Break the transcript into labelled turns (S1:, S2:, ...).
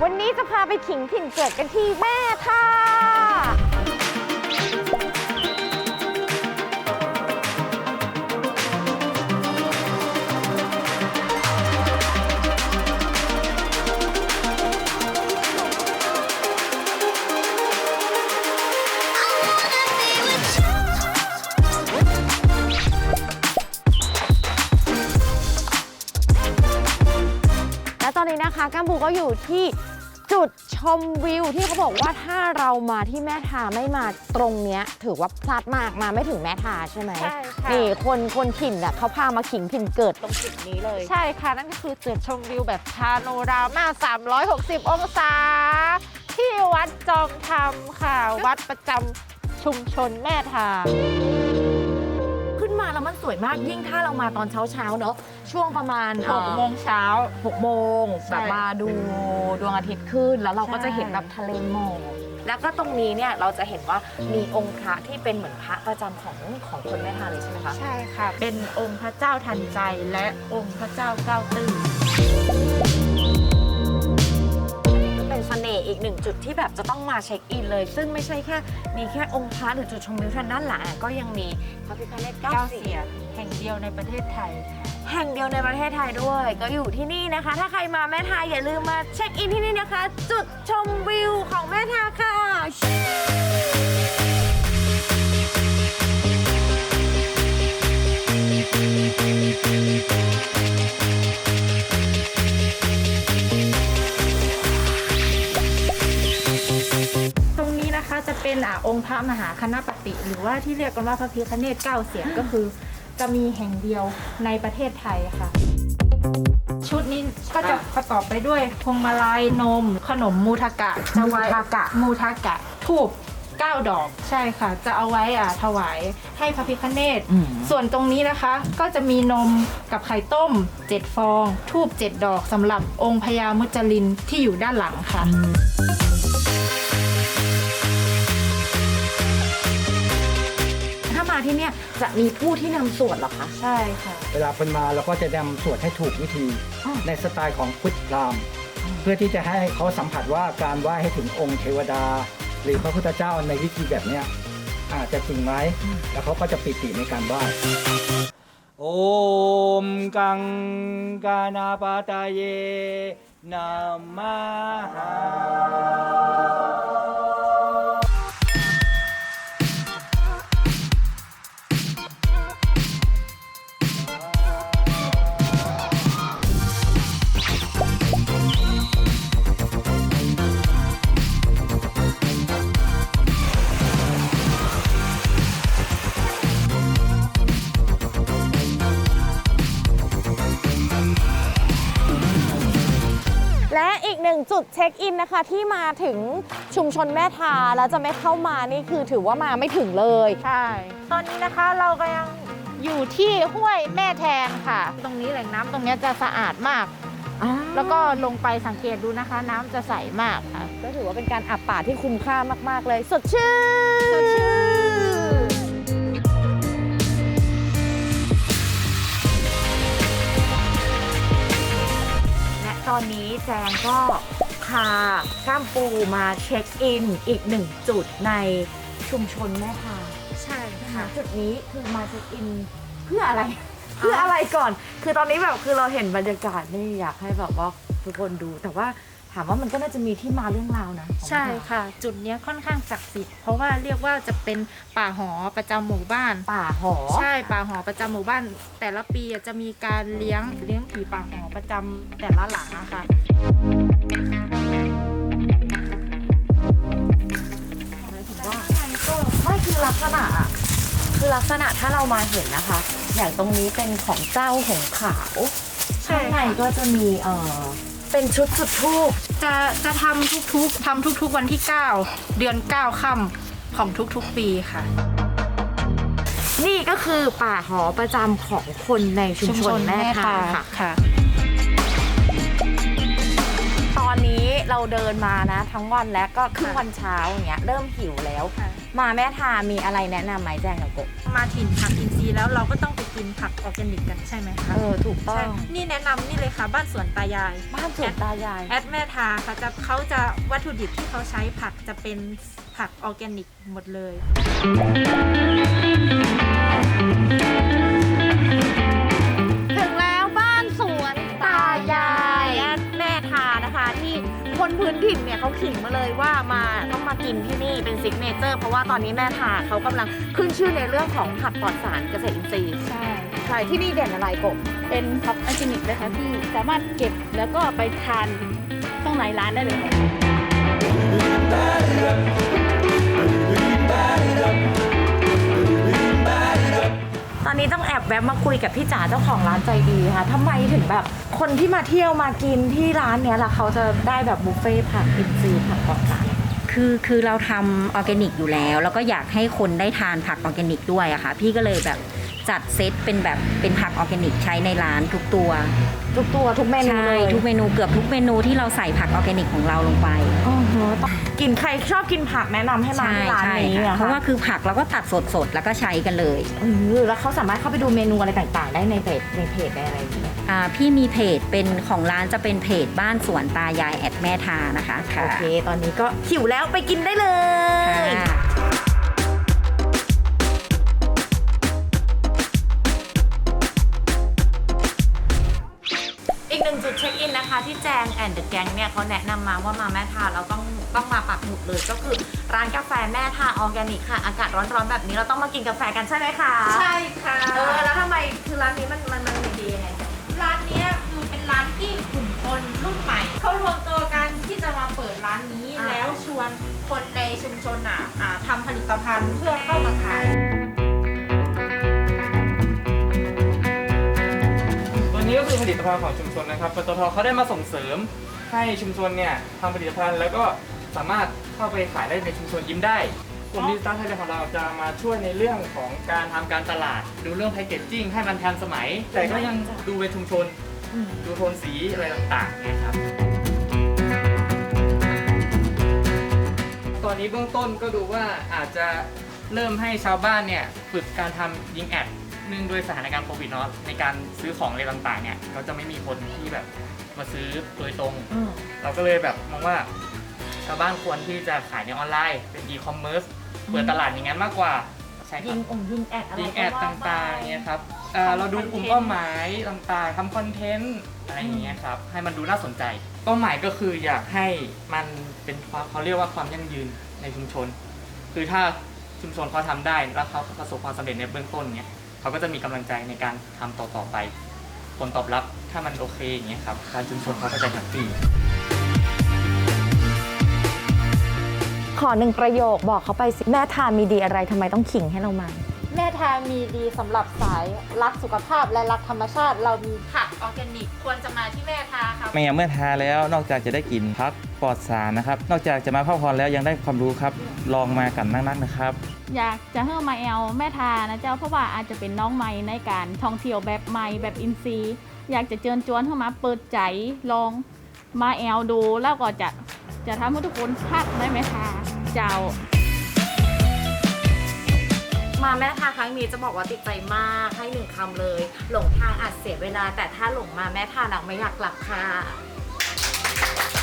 S1: วันนี้จะพาไปขิงถิ่นเกิดกันที่แม่ท่าตอนนี้นะคะกัมพูก็อยู่ที่จุดชมวิวที่เขาบอกว่าถ้าเรามาที่แม่ทาไม่มาตรงเนี้ยถือว่าพลาดมากมาไม่ถึงแม่ทาใช่ไหมใช่ค่ะนี่คนถิ่นอ่ะเขาพามาขิงถิ่นเกิดตรงจุดนี้เลย
S2: ใช่ค่ะนั่นก็คือจุดชมวิวแบบพาโนรามา360 องศาที่วัดจอมธรรมค่ะวัดประจำชุมชนแม่ทา
S1: ขึ้นมาแล้วมันสวยมากยิ่งถ้าเรามาตอนเช้าเนาะช่วงประมาณ
S2: 6 โมงเช้า
S1: 6 โมงแบบมาดูดวงอาทิตย์ขึ้นแล้วเราก็จะเห็นแบบทะเลหมอกแล้วก็ตรงนี้เนี่ยเราจะเห็นว่ามีองค์พระที่เป็นเหมือนพระประจำของคนแม่ทาเลยใช่ไหมคะ
S2: ใช่ค่ะเป็นองค์พระเจ้าทันใจและองค์พระเจ้าเก้าตื้อ
S1: เป็นเสน่ห์อีกหนึ่งจุดที่แบบจะต้องมาเช็คอินเลยซึ่งไม่ใช่แค่มีแค่องค์พระหรือจุดชมวิวด้านหลังก็ยังมีพระพิฆเนศเก้าเสียน
S2: แห่งเดียวในประเทศไทย
S1: แห่งเดียวในประเทศไทยด้วยก็อยู่ที่นี่นะคะถ้าใครมาแม่ทาอย่าลืมมาเช็คอินที่นี่นะคะจุดชมวิวของแม่ทาค่ะ
S2: ตรงนี้นะคะจะเป็นองค์พระมหาคณปติหรือว่าที่เรียกกันว่าพระพิฆเนศเก้าเสียนก็คือจะมีแห่งเดียวในประเทศไทยค่ะชุดนี้ก็จะประกอบไปด้วยพวงมาลัยนมขนมมูทากะจะไว้มูทากะทูบ9 ดอกใช่ค่ะจะเอาไว้ถวายให้พระพิฆเนศส่วนตรงนี้นะคะก็จะมีนมกับไข่ต้ม7 ฟองทูบ7 ดอกสำหรับองค์พญามุจลินที่อยู่ด้านหลังค่ะ
S1: ถ้ามาที่เนี่ยจะมีผู้ที่นำสวดหรอคะ
S2: ใช่ค่ะ
S3: เวลาคนมาเราก็จะนำสวดให้ถูกวิธีในสไตล์ของพุทธพราหมณ์เพื่อที่จะให้เขาสัมผัสว่าการไหว้ให้ถึงองค์เทวดาหรือพระพุทธเจ้าในวิธีแบบนี้อาจจะจริงไหมแล้วเขาก็จะปิติในการไหว้โอมกังกานาปาตาเยนามาหา
S1: และอีกหนึ่งจุดเช็คอินนะคะที่มาถึงชุมชนแม่ทาแล้วจะไม่เข้ามานี่คือถือว่ามาไม่ถึงเลย
S2: ใช่ตอนนี้นะคะเราก็ยังอยู่ที่ห้วยแม่แทนค่ะตรงนี้แหล่งน้ำตรงนี้จะสะอาดมากแล้วก็ลงไปสังเกตดูนะคะน้ำจะใสมากค่ะ
S1: ก็ถือว่าเป็นการอาบป่าที่คุ้มค่ามากๆเลยสดชื่นตอนนี้แจงก็พาก้ามปูมาเช็คอินอีกหนึ่งจุดในชุมชนแม่ทา
S2: ใช่ค่ะ
S1: จุดนี้คือมาเช็คอินเพื่ออะไรเพื่ออะไรก่อนคือตอนนี้แบบคือเราเห็นบรรยากาศนี่อยากให้แบบว่าทุกคนดูแต่ว่าถามว่ามันก็น่าจะมีที่มาเรื่องราวนะ
S2: ใช่ค่ะจุดนี้ค่อนข้างศักดิ์สิทธิ์เพราะว่าเรียกว่าจะเป็นป่าหอประจำหมู่บ้าน
S1: ป่าหอ
S2: ใช่ป่าหอประจำหมู่บ้านแต่ละปีจะมีการเลี้ยงผีป่าหอประจำแต่ละหลังนะคะ
S1: ไม่คือลักษณะถ้าเรามาเห็นนะคะอย่างตรงนี้เป็นของเจ้าหงขาวข้างในก็จะมีเป็นชุดจุดธูป
S2: จะทำทุกวันที่9 เดือน 9 ค่ำของทุกปีค่ะ
S1: นี่ก็คือป่าหอประจำของคนในชุมชนแม่ทาค่ะตอนนี้เราเราเดินมานะทั้งวันแล้วก็ครึ่งวันเช้าอย่างเงี้ยเริ่มหิวแล้ว มาแม่ทามีอะไรแนะนำไหมแจงกับกบ
S2: มาถิ่นผักอินทรีย์แล้วเราก็ต้องไปกินผักออร์แกนิกกันใช่ไหมคะ
S1: ถูกต้อ
S2: ใช่
S1: ง
S2: นี่แนะนำนี่เลยค่ะบ้านสวนตายาย
S1: บ้านสวนตายาย
S2: แอดแม่ทาค่ะเขาจะวัตถุดิบที่เขาใช้ผักจะเป็นผักออร์แกนิกหมดเลย
S1: ถึงแล้วบ้านสวนตายายแม่ทานะคะที่คนพื้นถิ่นเนี่ยเขาขิงมาเลยว่ามาต้องมากินที่นี่เป็นซิกเนเจอร์เพราะว่าตอนนี้แม่ทาเขากำลังขึ้นชื่อในเรื่องของผักปลอดสารเกษตรอินทรีย์
S4: ใช่
S1: ใช่ที่นี่เด่นอะไรกบ
S4: เป็นท็อปออร์แกนิกเลยค่ะที่สามารถเก็บแล้วก็ไปทานข้างในร้านได้เลยค่ะ
S1: ตอนนี้ต้องแอบแวะมาคุยกับพี่จ๋าเจ้าของร้านใจดีค่ะทำไมถึงแบบคนที่มาเที่ยวมากินที่ร้านเนี้ยล่ะเขาจะได้แบบบุฟเฟ่ต์ผักอินทรีย์ผักปลอดสาร
S5: คือเราทำออร์แกนิกอยู่แล้วก็อยากให้คนได้ทานผักออร์แกนิกด้วยอะค่ะพี่ก็เลยแบบจัดเซตเป็นผักออร์แกนิกใช้ในร้านทุกตัว
S1: ทุกเมนู
S5: ใช่
S1: เลย
S5: ทุกเมนูเกือบทุกเมนูที่เราใส่ผักออร์แกนิกของเราลงไป
S1: อ๋อต้องกินใครชอบกินผักแนะนำให้มาที่ร้านนี้
S5: ค่ะ
S1: อะ
S5: เพราะว่าคือผักเราก็ตัดสดๆแล้วก็ใช้กันเลย
S1: แล้วเขาสามารถเข้าไปดูเมนูอะไรต่างๆ ได้ในเพจได้อะไรอย่างเงี้ย
S5: พี่มีเพจเป็นของร้านจะเป็นเพจบ้านสวนตายายแอดแม่ทานะคะ
S1: โอเค ตอนนี้ก็หิวแล้วไปกินได้เลย
S5: ค่ะ
S1: อีกหนึ่งจุดเช็คอินนะคะที่แจงแอนด์เดอะแก๊งเนี่ยเขาแนะนำมาว่ามาแม่ทาเราต้องมาปักหมุดเลยก็คือร้านกาแฟแม่ทาออร์แกนิกค่ะอากาศร้อนๆแบบนี้เราต้องมากินกาแฟกันใช่ไหมคะ
S2: ใช่ค่ะ
S1: แล้วทำไมคือร้านนี้มันดียังไง
S2: ร้านเนี้ยคือเป็นร้านที่กลุ่มคนรุ่นใหม่เขารวมตัวกันที่จะมาเปิดร้านนี้แล้วชวนคนในชุมชนทำผลิตภัณฑ์เพื่อเข้ามาขาย
S6: ตัวนี้ก็คือผลิตภัณฑ์ของชุมชนนะครับปตทเขาได้มาส่งเสริมให้ชุมชนเนี่ยทำผลิตภัณฑ์แล้วก็สามารถเข้าไปขายได้ในชุมชนยิ้มได้กลุ่มดิจิตอลไทยแลนด์ของเราจะมาช่วยในเรื่องของการทำการตลาด ดูเรื่องแพคเกจจิ้งให้มันทันสมัย แต่ก็ยังดูเป็นชุมชน ดูโทนสีอะไรต่างๆนะครับตอนนี้เบื้องต้นก็ดูว่าอาจจะเริ่มให้ชาวบ้านเนี่ยฝึกการทำยิงแอดเนื่องด้วยสถานการณ์โควิดเนาะในการซื้อของอะไรต่างๆเนี่ยเขาจะไม่มีคนที่แบบมาซื้อโดยตรง เราก็เลยแบบมองว่าชาวบ้านควรที่จะขายในออนไลน์เป็นอีคอมเมิร์ซเปิดตลาดอย่างนั้นมากกว่าใช่ค
S1: ยิ
S6: รับ
S1: งแอดอะไร
S6: ยิงแอดต่างๆเนี่ยครับเราดูกลุ่มเป้าหมายต่างๆทำคอนเทนต์อะไรอย่างเงี้ยครับให้มันดูน่าสนใจเป้าหมายก็คืออยากให้มันเป็นความเขาเรียกว่าความยั่งยืนในชุมชน คือถ้าชุมชนเขาทำได้แล้วเขาประสบความสำเร็จในเบื้องต้นเนี่ยเขาก็จะมีกำลังใจในการทำต่อๆไปผลตอบรับถ้ามันโอเคอย่างเงี้ยครับการชุมชนเขาก็จะแฮปปี้
S1: ขอหนึ่งประโยคบอกเขาไปสิแม่ทามีดีอะไรทำไมต้องขิงให้เรามา
S2: แม่ทามีดีสำหรับสายรักสุขภาพและรักธรรมชาติ เรามีผักออร์แกนิกควรจะมาที่แม่ทาค่ะ
S7: เมื่อทาแล้วนอกจากจะได้กลิ่นพักปลอดสารนะครับ นอกจากจะมาพักผ่อนแล้วยังได้ความรู้ครับ ลองมากันนักๆนะครับ
S4: อยากจะให้มาแอลแม่ทานะเจ้าเพราะว่าอาจจะเป็นน้องใหม่ในการท่องเที่ยวแบบใหม่แบบอินซีย์อยากจะเชิญชวนเข้ามาเปิดใจลองมาแอลดูแล้วก็จะทำให้ทุกคนพักได้ไหมคะเจ้า
S1: มาแม่ทาครั้งนี้จะบอกว่าติดใจมากให้หนึ่งคำเลย หลงทางอาจเสียเวลา แต่ถ้าหลงมาแม่ทาหนักไม่อยากกลับค่ะ